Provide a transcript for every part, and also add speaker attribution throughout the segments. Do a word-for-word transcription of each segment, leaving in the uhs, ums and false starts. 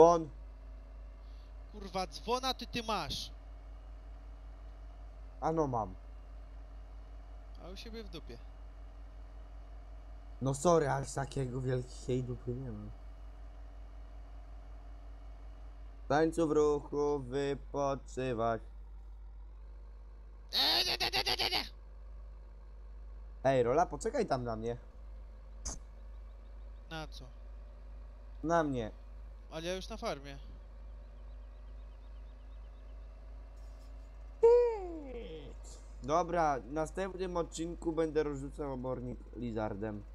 Speaker 1: On.
Speaker 2: Kurwa, dzwona ty ty masz.
Speaker 1: Ano mam.
Speaker 2: A u siebie w dupie.
Speaker 1: No sorry, aż takiego wielkiej dupy nie mam. W tańcu w ruchu wypoczywać. Ej, Rola, poczekaj tam na mnie.
Speaker 2: Na co?
Speaker 1: Na mnie.
Speaker 2: Ale ja już na farmie.
Speaker 1: Dobra, w następnym odcinku będę rozrzucał obornik lizardem.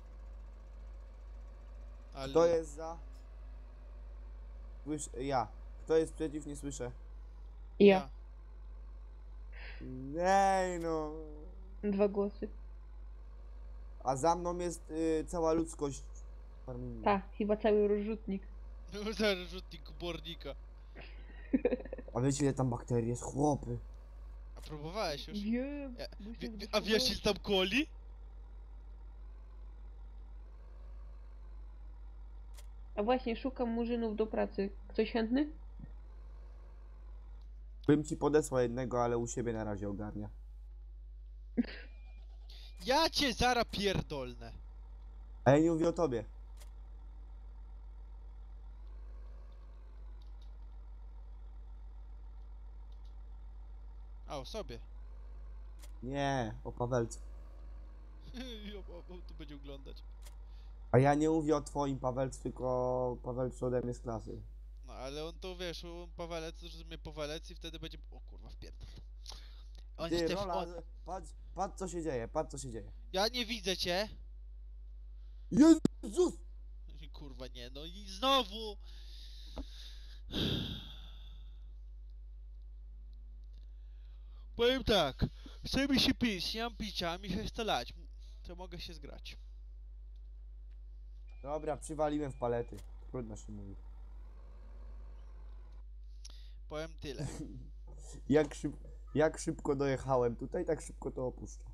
Speaker 2: Ale...
Speaker 1: Kto jest za? Słysz... Ja. Kto jest przeciw? Nie słyszę.
Speaker 3: Ja.
Speaker 1: Ej no.
Speaker 3: Dwa głosy.
Speaker 1: A za mną jest y, cała ludzkość. farminga.
Speaker 3: Tak, chyba cały rozrzutnik.
Speaker 2: Zaraz rzutnik obornika.
Speaker 1: A wiecie ile tam bakterii jest? Chłopy.
Speaker 2: A próbowałeś już?
Speaker 3: Wiem.
Speaker 2: Ja,
Speaker 3: bo
Speaker 2: wie,
Speaker 3: się
Speaker 2: wie, a wiesz ile tam coli?
Speaker 3: A właśnie, szukam murzynów do pracy. Ktoś chętny?
Speaker 1: Bym ci podesłał jednego, ale u siebie na razie ogarnia.
Speaker 2: Ja cię zara pierdolnę.
Speaker 1: A ja nie mówię o tobie.
Speaker 2: A o sobie.
Speaker 1: Nie, o Pawelcu.
Speaker 2: On tu będzie oglądać.
Speaker 1: A ja nie mówię o twoim Pawelcu, tylko o Pawelcu ode mnie z klasy.
Speaker 2: No ale on to wiesz, on Pawelec, że mnie Pawelec i wtedy będzie... O kurwa, wpierdol. On
Speaker 1: Ty,
Speaker 2: jest też...
Speaker 1: Rola,
Speaker 2: On...
Speaker 1: patrz, patrz co się dzieje, patrz co się dzieje.
Speaker 2: Ja nie widzę cię.
Speaker 1: Jezus!
Speaker 2: Kurwa nie, no i znowu... Powiem tak, chce mi się pić, nie mam picia, a mi się chce lać. To mogę się zgrać.
Speaker 1: Dobra, przywaliłem w palety. Trudno się mówi.
Speaker 2: Powiem tyle.
Speaker 1: Jak, szyb, jak szybko dojechałem tutaj, tak szybko to opuszczę.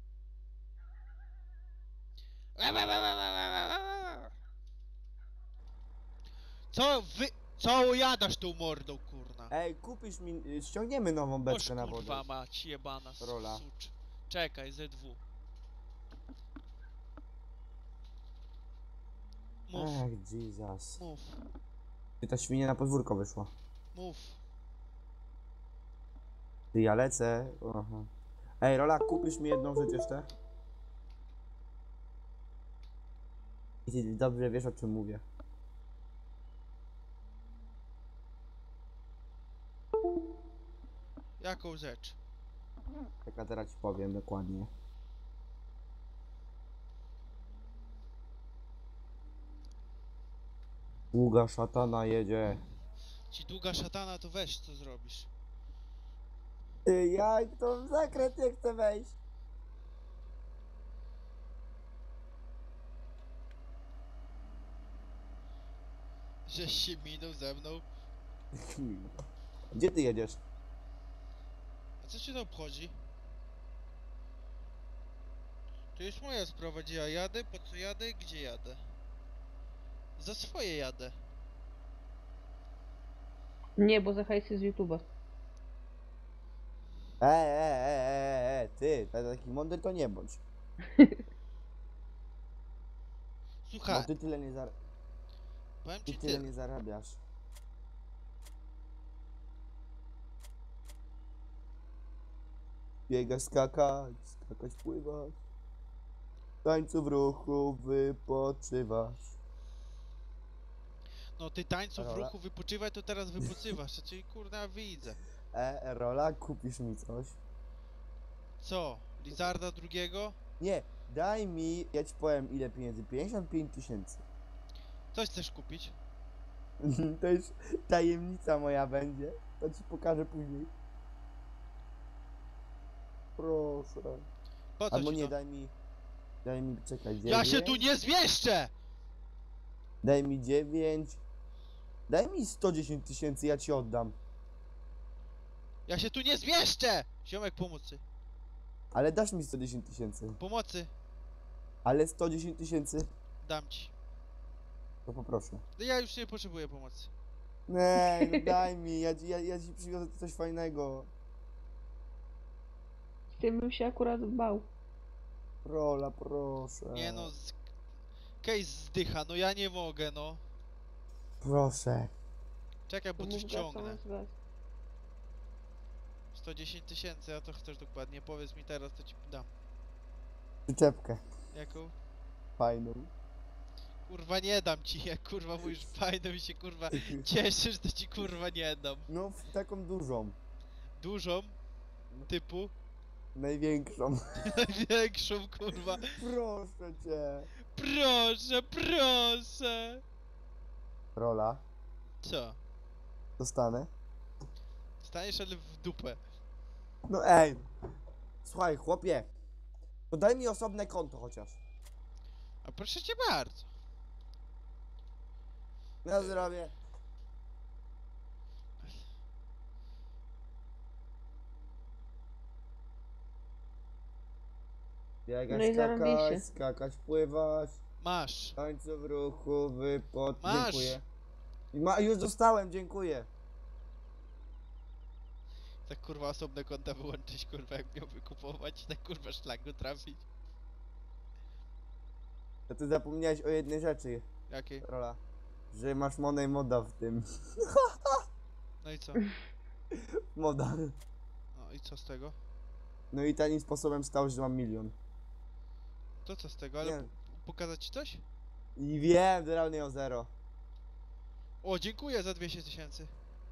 Speaker 2: Co wy... Co jadasz tą mordą, kurna?
Speaker 1: Ej, kupisz mi, y, ściągniemy nową
Speaker 2: Boż
Speaker 1: beczkę na wodę.
Speaker 2: kurwa mać, jebana
Speaker 1: Rola.
Speaker 2: sucz. Czekaj, Z dwa. Mów,
Speaker 1: Ech, Jesus.
Speaker 2: mów,
Speaker 1: Ty, ta świnia na podwórko wyszła.
Speaker 2: mów.
Speaker 1: Ty, ja lecę. Aha. Ej, Rola, kupisz mi jedną rzecz jeszcze? I ty dobrze wiesz, o czym mówię.
Speaker 2: Jaką rzecz?
Speaker 1: Tak, a teraz ci powiem dokładnie. Długa szatana jedzie.
Speaker 2: Ci długa szatana, to weź, co zrobisz.
Speaker 1: Ty, ja to w zakręt nie chcę wejść.
Speaker 2: Żeś się minął ze mną.
Speaker 1: Gdzie ty jedziesz?
Speaker 2: A co cię to obchodzi? To jest moja sprawa, gdzie ja jadę, po co jadę, gdzie jadę. Za swoje jadę.
Speaker 3: Nie, bo za hajsy z YouTube'a.
Speaker 1: E, e, e, e, e, ty, taki mądry to nie bądź.
Speaker 2: Słuchaj,
Speaker 1: Bo ty tyle nie, zar
Speaker 2: powiem
Speaker 1: ty
Speaker 2: ci
Speaker 1: tyle
Speaker 2: tyle.
Speaker 1: nie zarabiasz. Biegać, skakać, skakać, pływać. W tańcu w ruchu wypoczywasz.
Speaker 2: No ty tańcu w
Speaker 1: Rola.
Speaker 2: ruchu wypoczywaj, to teraz wypoczywasz. To cię kurna widzę.
Speaker 1: E, Rola, kupisz mi coś?
Speaker 2: Co? Lizarda drugiego?
Speaker 1: Nie, daj mi, ja ci powiem ile pieniędzy, pięćdziesiąt pięć tysięcy.
Speaker 2: Coś chcesz kupić?
Speaker 1: To już tajemnica moja będzie, to ci pokażę później. Proszę.
Speaker 2: Po co
Speaker 1: Albo
Speaker 2: ci
Speaker 1: nie,
Speaker 2: to?
Speaker 1: daj mi, daj mi, czekaj,
Speaker 2: Ja
Speaker 1: dziewięć,
Speaker 2: się tu nie zmieszczę!
Speaker 1: daj mi dziewięć, daj mi sto dziesięć tysięcy, ja ci oddam.
Speaker 2: Ja się tu nie zmieszczę! Ziomek pomocy.
Speaker 1: Ale dasz mi sto dziesięć tysięcy.
Speaker 2: Pomocy.
Speaker 1: Ale sto dziesięć tysięcy,
Speaker 2: Dam ci.
Speaker 1: to poproszę.
Speaker 2: No ja już nie potrzebuję pomocy.
Speaker 1: Nie, no daj mi, ja, ci- ja, ja ci przywiozę coś fajnego.
Speaker 3: Z tym bym się akurat bał.
Speaker 1: Rola, proszę.
Speaker 2: Nie no, z... Case zdycha, no ja nie mogę, no.
Speaker 1: Proszę.
Speaker 2: Czekaj, bo
Speaker 3: To
Speaker 2: coś
Speaker 3: mów
Speaker 2: ciągnę.
Speaker 3: gaz, gaz.
Speaker 2: sto dziesięć tysięcy, a to chcesz dokładnie, powiedz mi teraz, to ci dam.
Speaker 1: Przyczepkę.
Speaker 2: Jaką?
Speaker 1: Fajną.
Speaker 2: Kurwa nie dam ci, jak kurwa mówisz fajno mi się kurwa cieszysz, to ci kurwa nie dam.
Speaker 1: No, w- taką dużą.
Speaker 2: Dużą, typu,
Speaker 1: Największą.
Speaker 2: największą kurwa.
Speaker 1: Proszę cię.
Speaker 2: Proszę, proszę.
Speaker 1: Rola.
Speaker 2: Co?
Speaker 1: Dostanę.
Speaker 2: Staniesz ale w dupę.
Speaker 1: No ej. Słuchaj, chłopie. To daj mi osobne konto chociaż.
Speaker 2: A proszę cię bardzo.
Speaker 1: Ja zrobię. Biegać,
Speaker 3: No i
Speaker 1: skakać,
Speaker 3: zarąbiście.
Speaker 1: skakać, pływać.
Speaker 2: Masz.
Speaker 1: Tańce w ruchu, wypod.
Speaker 2: Masz.
Speaker 1: Dziękuję. I Ma, już dostałem, dziękuję.
Speaker 2: Tak kurwa osobne konta wyłączyć kurwa jak miał wykupować i tak kurwa szlaku trafić.
Speaker 1: To ty zapomniałeś o jednej rzeczy,
Speaker 2: Jakiej?
Speaker 1: Rola. Że masz money moda w tym.
Speaker 2: No i co?
Speaker 1: Moda.
Speaker 2: No i co z tego?
Speaker 1: No i tanim sposobem stało się, że mam milion.
Speaker 2: To co z tego, ale
Speaker 1: Nie.
Speaker 2: p- pokazać ci coś?
Speaker 1: I wiem, że realnie o zero.
Speaker 2: O, dziękuję za dwieście tysięcy.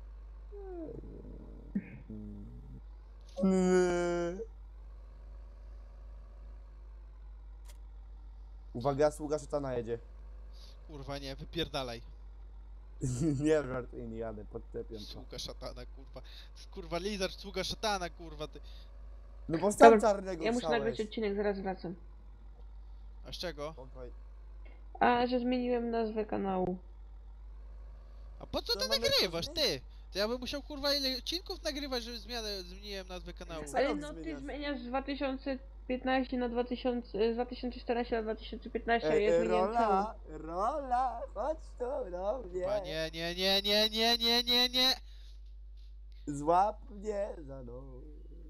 Speaker 1: Uwaga, sługa szatana jedzie.
Speaker 2: Kurwa nie, wypierdalaj.
Speaker 1: Nie żartuję, nie jadę, podczepiam to.
Speaker 2: Sługa szatana, kurwa. Kurwa, lizard, sługa szatana, kurwa, ty.
Speaker 1: No bo sam
Speaker 3: Dobra,
Speaker 1: czarnego
Speaker 3: Ja muszę
Speaker 1: wstałeś.
Speaker 3: nagrać odcinek, zaraz wracam.
Speaker 2: A z czego?
Speaker 1: Spokoj.
Speaker 3: A, że zmieniłem nazwę kanału.
Speaker 2: A po co
Speaker 1: To
Speaker 2: ty
Speaker 1: mamy
Speaker 2: nagrywasz,
Speaker 1: coś
Speaker 2: ty? To ja bym musiał, kurwa, ile odcinków nagrywać, żeby zmianę, zmieniłem nazwę kanału.
Speaker 1: Co
Speaker 3: Ale
Speaker 1: rok
Speaker 3: no ty
Speaker 1: zmieniasz?
Speaker 3: zmieniasz z dwa tysiące piętnaście na dwa tysiące, z dwa tysiące czternaście na dwa tysiące piętnaście, a
Speaker 1: Ej,
Speaker 3: ja
Speaker 1: ej,
Speaker 3: zmieniłem cały.
Speaker 1: rola, rola, chodź tu do
Speaker 2: Kurwa,
Speaker 1: mnie.
Speaker 2: nie, nie, nie, nie, nie, nie, nie, nie.
Speaker 1: Złap mnie za nogi.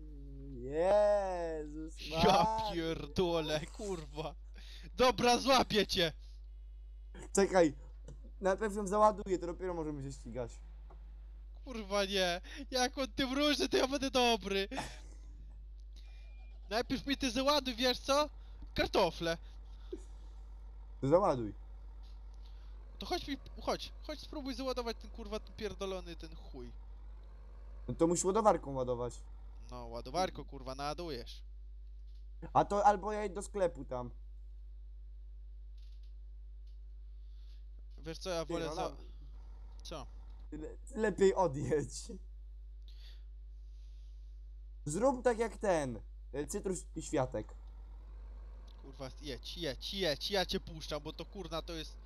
Speaker 1: Jezus
Speaker 2: Ja
Speaker 1: Maria.
Speaker 2: pierdolę, kurwa. Dobra, złapię cię.
Speaker 1: Czekaj, najpierw ją załaduję, to dopiero możemy się ścigać.
Speaker 2: Kurwa nie. Jak on tym różny, to ja będę dobry. Najpierw mi ty załaduj, wiesz co? Kartofle.
Speaker 1: To załaduj.
Speaker 2: To chodź mi, chodź, chodź spróbuj załadować ten kurwa ten pierdolony ten chuj.
Speaker 1: No to musisz ładowarką ładować.
Speaker 2: No, ładowarko kurwa, naładujesz.
Speaker 1: A to albo ja idę do sklepu tam.
Speaker 2: Wiesz co, ja
Speaker 1: Ty,
Speaker 2: wolę
Speaker 1: no,
Speaker 2: za...
Speaker 1: no,
Speaker 2: Co?
Speaker 1: le lepiej odjedź. Zrób tak jak ten. e, Cytrus i światek.
Speaker 2: Kurwa, jedź, jedź, jedź, ja cię puszczam, bo to kurna to jest...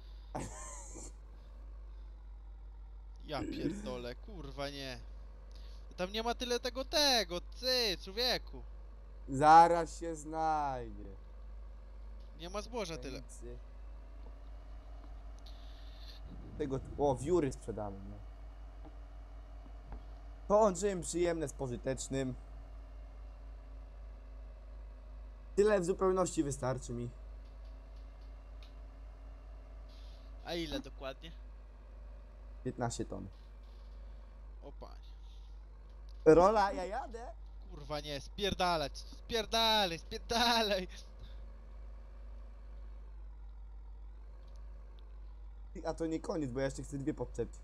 Speaker 2: Ja pierdolę, kurwa nie. Tam nie ma tyle tego tego, ty, człowieku.
Speaker 1: Zaraz się znajdzie.
Speaker 2: Nie ma zboża tyle.
Speaker 1: Pszenicy. Tego, o, wióry sprzedamy, no. Połączyłem przyjemne z pożytecznym. Tyle w zupełności wystarczy mi.
Speaker 2: A ile dokładnie?
Speaker 1: piętnaście ton.
Speaker 2: O panie.
Speaker 1: Rola, ja jadę.
Speaker 2: Kurwa nie, spierdalać, spierdalaj, spierdalaj.
Speaker 1: A to nie koniec, bo ja jeszcze chcę dwie podczepić.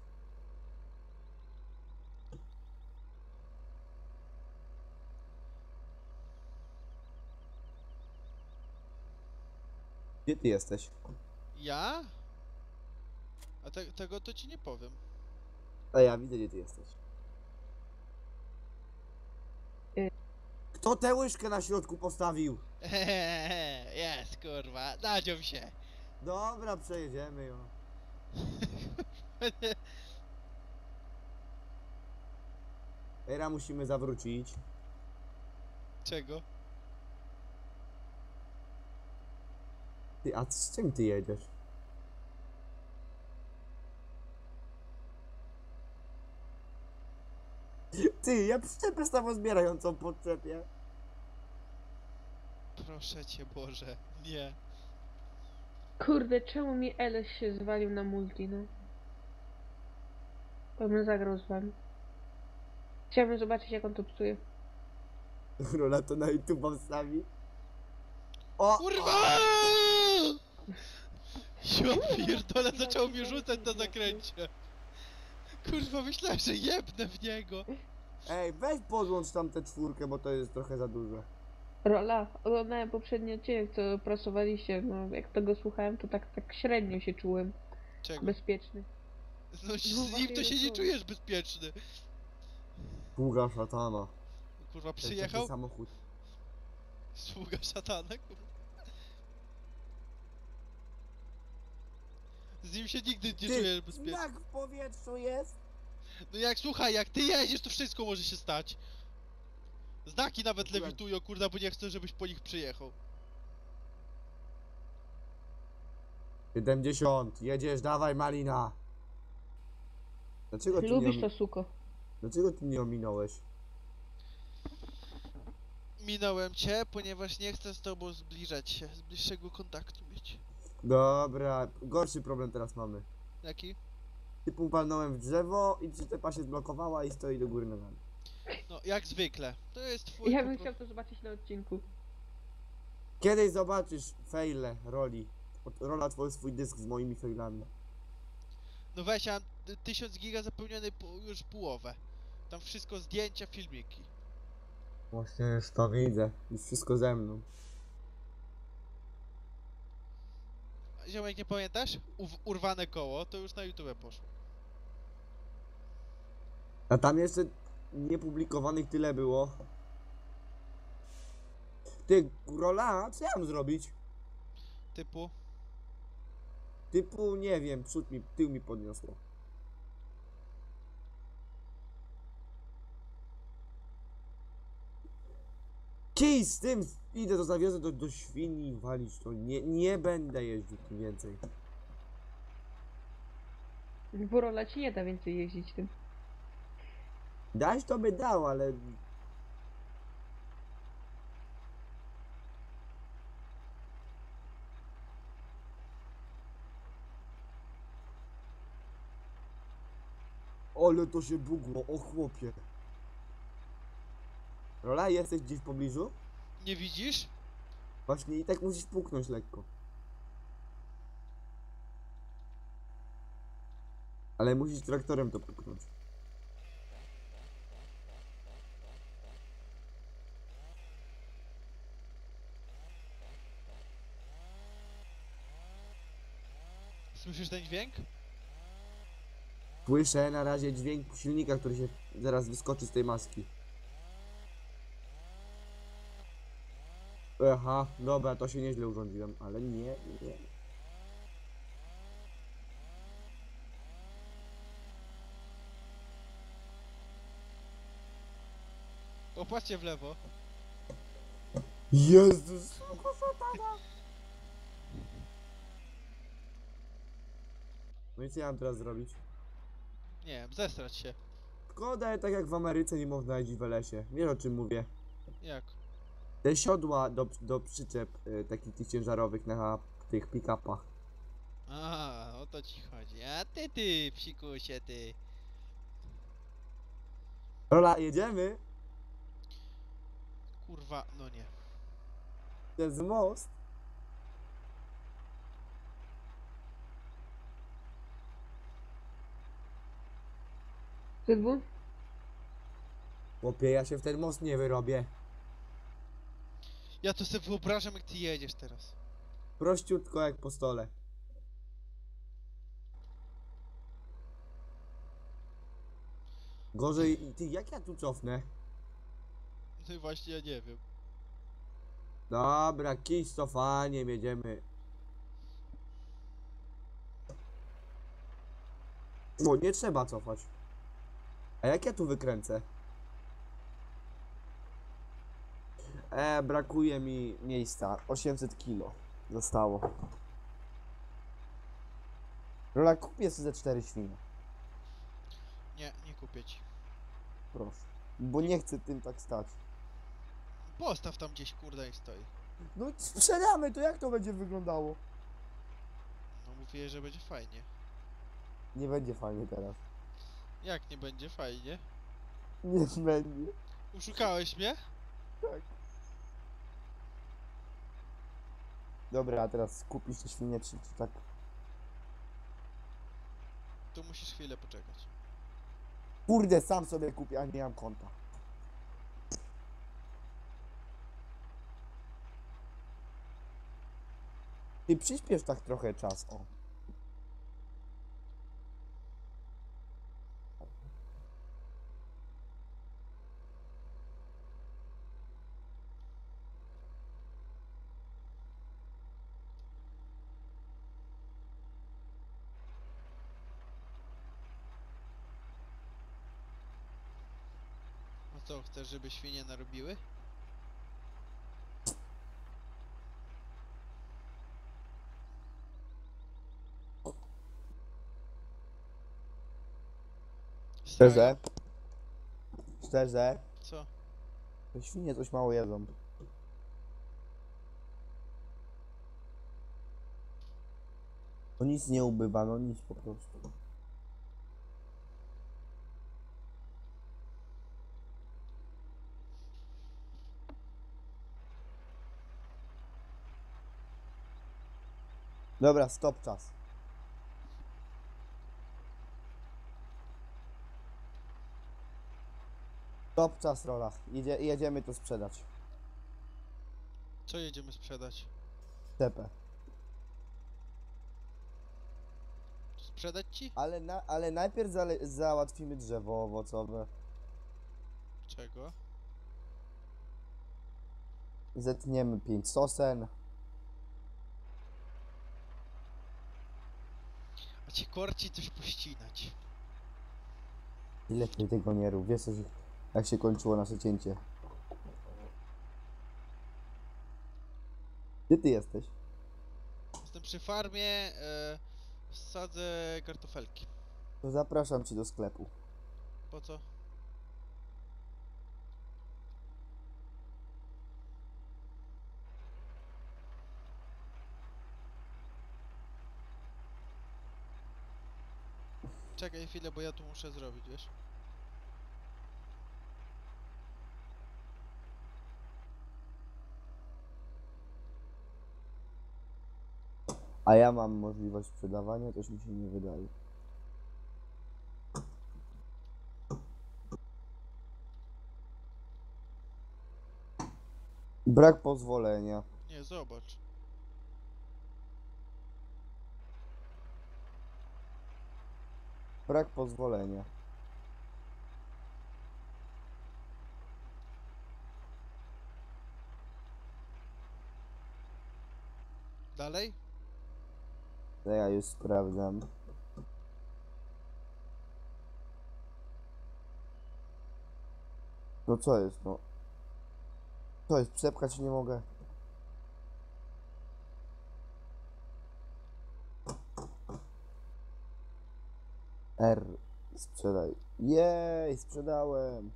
Speaker 1: Gdzie ty jesteś?
Speaker 2: Ja? A te, tego to ci nie powiem.
Speaker 1: A ja widzę, gdzie ty jesteś.
Speaker 3: Y.
Speaker 1: Kto tę łyżkę na środku postawił?
Speaker 2: Hehehe, jest kurwa, nadzią się.
Speaker 1: Dobra, przejedziemy ją. Teraz musimy zawrócić.
Speaker 2: Czego?
Speaker 1: Ty, a z czym ty jedziesz? Ty, ja przyczepę samozbierającą podczepię.
Speaker 2: Proszę cię Boże, nie.
Speaker 3: Kurde, czemu mi L S się zwalił na multi, no? To bym zagrał z wami. Chciałbym zobaczyć, jak on to psuje.
Speaker 1: Rola to na YouTube wstawi. O!
Speaker 2: Kurwa! Ja pierdolę, zaczął mi rzucać na zakręcie. Kurwa, myślałem, że jebnę w niego.
Speaker 1: Ej, weź podłącz tam tę czwórkę, bo to jest trochę za dużo.
Speaker 3: Rola, oglądałem poprzedni odcinek, co prasowaliście, no jak tego słuchałem, to tak, tak średnio się czułem
Speaker 2: Czego?
Speaker 3: bezpieczny.
Speaker 2: No z nim to się nie czujesz bezpieczny.
Speaker 1: Sługa szatana.
Speaker 2: Kurwa,
Speaker 1: Ten
Speaker 2: przyjechał?
Speaker 1: taki samochód.
Speaker 2: Sługa szatana, kurwa. Z nim się nigdy nie czujesz bezpiecznie.
Speaker 1: Jak w powietrzu jest?
Speaker 2: No jak, słuchaj, jak ty jedziesz, to wszystko może się stać. Znaki nawet
Speaker 1: Akurat.
Speaker 2: lewitują, kurwa, bo nie chcę, żebyś po nich przyjechał.
Speaker 1: siedemdziesiąt, jedziesz, dawaj Malina. Dlaczego ty, nie,
Speaker 3: Lubisz
Speaker 1: omi-
Speaker 3: to, suko.
Speaker 1: Dlaczego ty nie ominąłeś?
Speaker 2: Minąłem cię, ponieważ nie chcę z tobą zbliżać się, z bliższego kontaktu mieć.
Speaker 1: Dobra, gorszy problem teraz mamy.
Speaker 2: Jaki?
Speaker 1: Typu palnąłem w drzewo i przyczepa się zblokowała i stoi do góry nogami.
Speaker 2: No, jak zwykle. To jest twój...
Speaker 3: Ja
Speaker 2: po
Speaker 3: bym
Speaker 2: pro-
Speaker 3: chciał to zobaczyć na odcinku.
Speaker 1: Kiedyś zobaczysz fejle roli. Od- Rola twój swój dysk z moimi fejlami.
Speaker 2: No weź, ja mam y, tysiąc giga zapełniony po, już połowę. Tam wszystko zdjęcia, filmiki.
Speaker 1: Właśnie już to widzę. Już wszystko ze mną.
Speaker 2: Ziomek, nie pamiętasz? Uw- urwane koło, to już na YouTube poszło.
Speaker 1: A tam jeszcze niepublikowanych tyle było. Ty, Rola, co ja mam zrobić?
Speaker 2: Typu...
Speaker 1: Typu, nie wiem, przód mi, tył mi podniosło. Kij z tym, idę to zawiozę do, do świni walić to. Nie, nie będę jeździł tym więcej.
Speaker 3: Bo Rola ci nie da więcej jeździć tym.
Speaker 1: Dać to by dał, ale... Ale to się bugło, o chłopie. Rola, jesteś gdzieś w pobliżu?
Speaker 2: Nie widzisz?
Speaker 1: Właśnie i tak musisz puknąć lekko. Ale musisz traktorem to puknąć.
Speaker 2: Słyszysz ten dźwięk?
Speaker 1: Słyszę na razie dźwięk silnika, który się zaraz wyskoczy z tej maski. Aha, dobra, to się nieźle urządziłem, ale nie, nie.
Speaker 2: Popatrzcie w lewo.
Speaker 1: Jezus! No i co ja mam teraz zrobić?
Speaker 2: Nie wiem, zestrać się.
Speaker 1: Szkoda, tak jak w Ameryce nie można jeździć w lesie. Wiesz o czym mówię.
Speaker 2: Jak?
Speaker 1: Te siodła do, do przyczep y, takich tych ciężarowych na tych pick-upach.
Speaker 2: A, o to ci chodzi. A ty, ty, psikusie, ty.
Speaker 1: Rola, jedziemy?
Speaker 2: Kurwa, no nie.
Speaker 1: To jest most.
Speaker 3: Zydwu?
Speaker 1: Chłopie, ja się w ten most nie wyrobię.
Speaker 2: Ja to sobie wyobrażam, jak ty jedziesz teraz.
Speaker 1: Prościutko jak po stole. Gorzej, ty, jak ja tu cofnę?
Speaker 2: No i właśnie, ja nie wiem.
Speaker 1: Dobra, kij z cofaniem, jedziemy. O, nie trzeba cofać. A jak ja tu wykręcę? E, brakuje mi miejsca. osiemset kilo zostało. Rola, kupię sobie ze cztery świnie.
Speaker 2: Nie, nie kupię ci.
Speaker 1: Proszę. Bo nie chcę tym tak stać.
Speaker 2: Postaw tam gdzieś, kurde, i stoi.
Speaker 1: No sprzedamy, to jak to będzie wyglądało?
Speaker 2: No mówię, że będzie fajnie.
Speaker 1: Nie będzie fajnie teraz.
Speaker 2: Jak nie będzie fajnie?
Speaker 1: Nie będzie.
Speaker 2: Uszukałeś mnie?
Speaker 1: Tak. Dobra, a teraz kupisz te świnie, czy, czy tak?
Speaker 2: To musisz chwilę poczekać.
Speaker 1: Kurde, sam sobie kupię, a nie mam konta. Ty przyspiesz tak trochę czas, o.
Speaker 2: No co, chcesz, żeby świnie narobiły?
Speaker 1: Szczerze? Szczerze?
Speaker 2: Co?
Speaker 1: Te świnie coś mało jedzą. No nic nie ubywa, no nic po prostu. Dobra, stop czas. Stop czas, Rola. Jedzie, jedziemy to sprzedać.
Speaker 2: Co jedziemy sprzedać?
Speaker 1: Tepę.
Speaker 2: Sprzedać ci?
Speaker 1: Ale, na, ale najpierw zale, załatwimy drzewo owocowe.
Speaker 2: Czego?
Speaker 1: Zetniemy pięć sosen.
Speaker 2: A ci korci coś pościnać.
Speaker 1: I lepiej tego nie rób. Wiesz, jak się kończyło nasze cięcie. Gdzie ty jesteś?
Speaker 2: Jestem przy farmie, e, sadzę kartofelki.
Speaker 1: To zapraszam cię do sklepu.
Speaker 2: Po co? Czekaj chwilę, bo ja tu muszę zrobić, wiesz?
Speaker 1: A ja mam możliwość sprzedawania, coś mi się nie wydaje. Brak pozwolenia.
Speaker 2: Nie, zobacz.
Speaker 1: Brak pozwolenia.
Speaker 2: Dalej?
Speaker 1: To ja już sprawdzam. No co jest, no? Co jest, przepchać nie mogę. R. Sprzedaj. Jej, sprzedałem.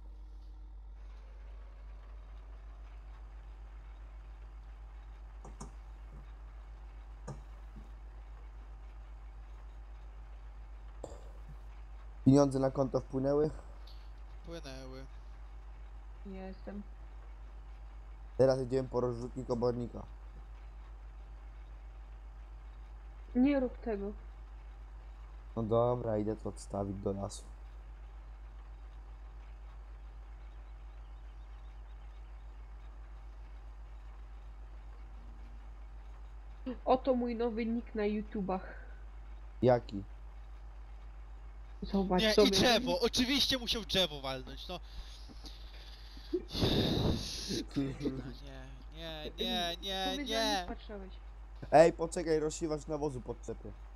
Speaker 1: Pieniądze na konto wpłynęły.
Speaker 2: Płynęły.
Speaker 3: Nie jestem.
Speaker 1: Teraz idziemy po rozrzutnik obornika.
Speaker 3: Nie rób tego.
Speaker 1: No dobra, idę to odstawić do lasu.
Speaker 3: Oto mój nowy nick na YouTubach.
Speaker 1: Jaki?
Speaker 3: Zobacz
Speaker 2: Nie,
Speaker 3: sobie.
Speaker 2: i drzewo! Oczywiście musiał drzewo walnąć, no. Nie, nie, nie, nie,
Speaker 3: Powiedziałem,
Speaker 2: nie.
Speaker 3: patrzałeś.
Speaker 1: Ej, poczekaj, rozsiewacz nawozu podczepię.